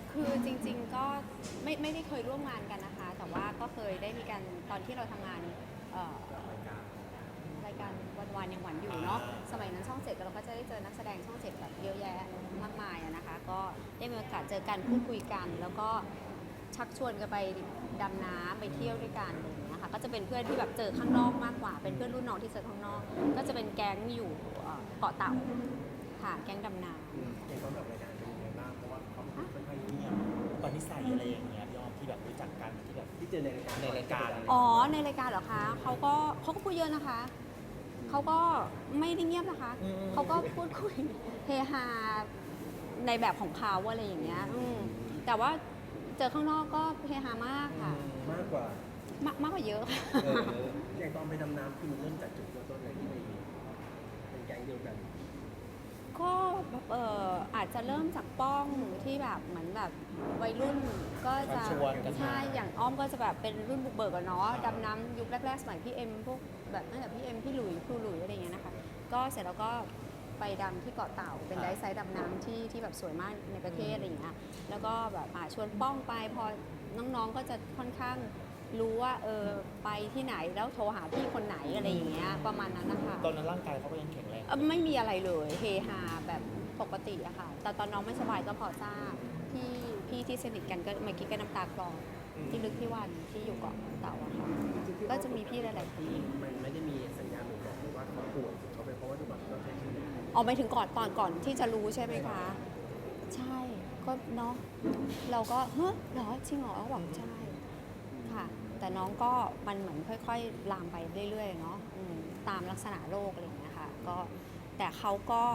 คือจริงๆก็ไม่ได้เคยร่วมงานกันนะคะแต่ว่าก็เคยได้มีการตอนที่เราทำงานเอ่อรายการวันยังหวันอยู่เนาะสมัยนั้นช่องเจ็ดเราก็จะได้เจอนักแสดงช่องเจ็ดแบบเยอะแยะมากมายนะคะก็ได้มีโอกาสเจอกันพูดคุยกันแล้วก็ชักชวนกันไปดำน้ำไปเที่ยวด้วยกันอะไรอย่างเงี้ยค่ะก็จะเป็นเพื่อนที่แบบเจอข้างนอกมากกว่าเป็นเพื่อนรุ่นน้องที่เจอข้างนอกก็จะเป็นแก๊งอยู่เกาะเต่าค่ะแก๊งดำน้ำเห็นว่าแบบรายการเป็นยังไงบ้างเพราะว่าเขาค่อนข้างเงียบตอนนิสัยอะไรอย่างเงี้ยยอมที่แบบรู้จักกันที่แบบที่เจอในรายการอ๋อในรายการเหรอคะเขาก็พูดเยอะนะคะเขาก็ไม่ได้เงียบนะคะเขาก็พูดคุยเฮฮาในแบบของเขาอะไรอย่างเงี้ยแต่ว่าเจอข้างนอกก็เฮฮามากค่ะมากกว่ามากกว่าเยอะค่ะอย่างตอนไปดำน้ำคือมันเริ่มจากจุดเริ่มต้นเลยที่ไปเป็นแก๊งเดียวกันก็อาจจะเริ่มจากป้องที่แบบเหมือนแบบวัยรุ่นก็จะใช่อย่างอ้อมก็จะแบบเป็นรุ่นบุกเบิกอะเนาะดำน้ำยุคแรกๆสมัยพี่เอ็มพวกแบบตั้งแต่พี่เอ็มพี่หลุยครูหลุยอะไรอย่างเงี้ยนะคะก็เสร็จแล้วก็ไปดำที่เกาะเต่าเป็นไดฟ์ไซด์ดำน้ำที่แบบสวยมากในประเทศอะไรอย่างเงี้ยแล้วก็แบบชวนป้องไปพอน้องๆก็จะค่อนข้างรู้ว่าไปที่ไหนแล้วโทรหาพี่คนไหนอะไรอย่างเงี้ยประมาณนั้นนะคะตอนนั้นร่างกายเขาก็ยังแข็งแรงไม่มีอะไรเลยเฮฮาแบบปกติอะค่ะแต่ตอนน้องไม่สบายก็พอทราบพี่ที่สนิทกันก็เมื่อกี้ก็น้ำตาคลอที่ลึกที่วันที่อยู่เกาะเต่าอะค่ะก็จะมีพี่หลายๆคนมันไม่ได้มีสัญญาณบ่งบอกเลยว่าเขาป่วยเขาเป็นเพราะว่าทุกวันเราใช้ชีวิตออกไปถึงก่อนที่จะรู้ใช่ไหมคะใช่ก็เนาะเราก็เฮ้ยเหรอจริงเหรอหวังใช่ค่ะแต่น้องก็มันเหมือนค่อยๆลามไปเรื่อยๆเนาะตามลักษณะโรคอะไรอย่างเงี้ยค่ะก็แต่เขา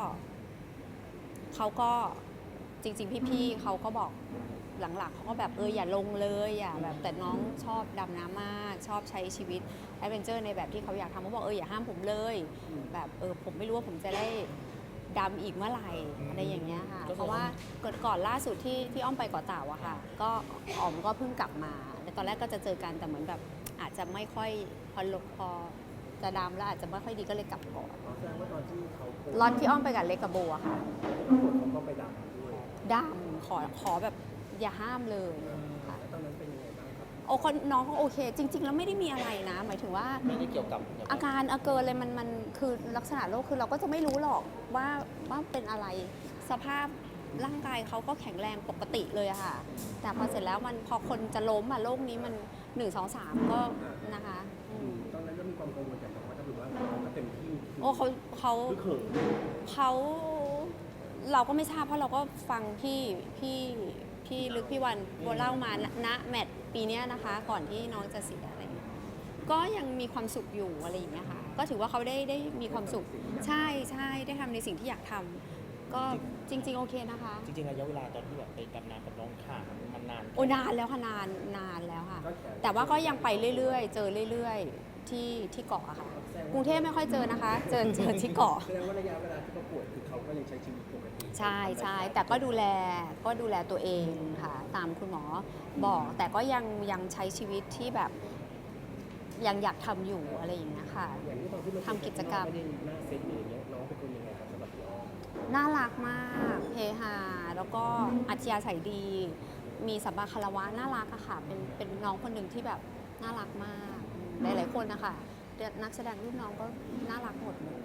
ก็จริงๆพี่ๆเขาก็บอกหลังๆเขาก็แบบอย่าลงเลยอย่าแบบแต่น้องชอบดำน้ำมากชอบใช้ชีวิตแอดเวนเจอร์ในแบบที่เขาอยากทำเขาบอกอย่าห้ามผมเลยแบบผมไม่รู้ว่าผมจะได้ดำอีกเมื่อไหร่อะไรอย่างเงี้ยค่ะเพราะว่าก่อนล่าสุดที่อ้อมไปเกาะเต่าอะค่ะก็อ๋อมก็เพิ่งกลับมาในตอนแรกก็จะเจอกันแต่เหมือนแบบอาจจะไม่ค่อยพอจะดำแล้วอาจจะไม่ค่อยดีก็เลยกลับก่อนแสดงว่าตอนที่เขาล็อตที่อ้อมไปกับเล็กกับโบอะค่ะเขาก็ไปดำด้วยดำขอแบบอย่าห้ามเลยค่ะแล้วตอนนั้นเป็นยังไงบ้างครับโอ้คนน้องเขาโอเคจริงๆแล้วไม่ได้มีอะไรนะหมายถึงว่าไม่ได้เกี่ยวกับอาการเกินเลยมันคือลักษณะโรคคือเราก็จะไม่รู้หรอกว่าเป็นอะไรสภาพร่างกายเขาก็แข็งแรงปกติเลยอะค่ะแต่พอเสร็จแล้วมันพอคนจะล้มโรคนี้มัน1 2 3ก็นะคะตอนนั้นก็มีความกังวลแต่ว่าถ้าถือว่าเขาก็เต็มที่โอ้เขาเราก็ไม่ทราบเพราะเราก็ฟังพี่ลึกพี่วันเล่ามาณแมตช์ปีนี้นะคะก่อนที่น้องจะเสียอะไรเงี้ยก็ยังมีความสุขอยู่อะไรอย่างเงี้ยค่ะก็ถือว่าเขาได้มีความสุขใช่ได้ทำในสิ่งที่อยากทำก็จริงๆโอเคนะคะจริงๆระยะเวลาตอนที่แบบไปดำน้ำกับน้องข่ามันนานโอ้นานแล้วค่ะนานแล้วค่ะแต่ว่าก็ยังไปเรื่อยๆเจอเรื่อยๆที่เกาะอะค่ะกรุงเทพไม่ค่อยเจอนะคะเจอที่เกาะแสดงว่าระยะเวลาที่เขาป่วยคือเขาก็ยังใช้ชีวิตปกติใช่แต่ก็ดูแลตัวเองค่ะตามคุณหมอบอกแต่ก็ยังใช้ชีวิตที่แบบยังอยากทำอยู่อะไรอย่างเงี้ยค่ะทำกิจกรรมไม่ได้หน้าเซ็ตหรืออย่างเงี้ยน้องเป็นคนยังไงครับสำหรับน้องน่ารักมากเฮฮาแล้วก็อัธยาศัยดีมีสัมมาคารวะน่ารักอะค่ะเป็นน้องคนหนึ่งที่แบบน่ารักมากหลายๆคนนะคะนักแสดงรุ่นน้องก็น่ารักหมดเลย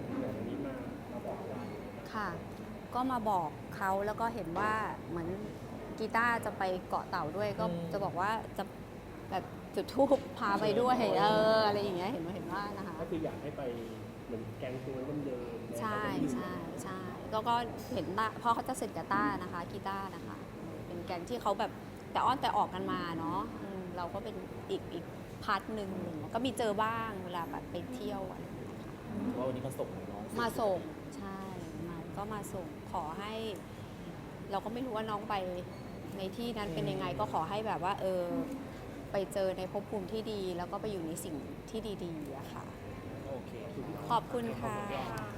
ค่ะก็มาบอกเขาแล้วก็เห็นว่าเหมือนกีตาร์จะไปเกาะเต่าด้วยก็จะบอกว่าจะแบบจุดธูปพาไปด้วยอะไรอย่างเงี้ยเห็นว่านะคะก็คืออยากให้ไปเหมือนแกงตัวเดิมใช่ก็เห็นเพราะเขาจะเสร็จกับต้านะคะกีตาร์นะคะเป็นแกงที่เขาแบบแต่อ้อนแต่ออกกันมาเนาะเราก็เป็นอีกพาร์ทหนึ่งก็มีเจอบ้างเวลาแบบไปเที่ยวอะไรว่าวันนี้มาส่งน้องมาส่งใช่ก็มาส่งขอให้เราก็ไม่รู้ว่าน้องไปในที่นั้นเป็นยังไงก็ขอให้แบบว่าไปเจอในภพภูมิที่ดีแล้วก็ไปอยู่ในสิ่งที่ดีๆอะค่ะโอเคขอบคุณค่ะ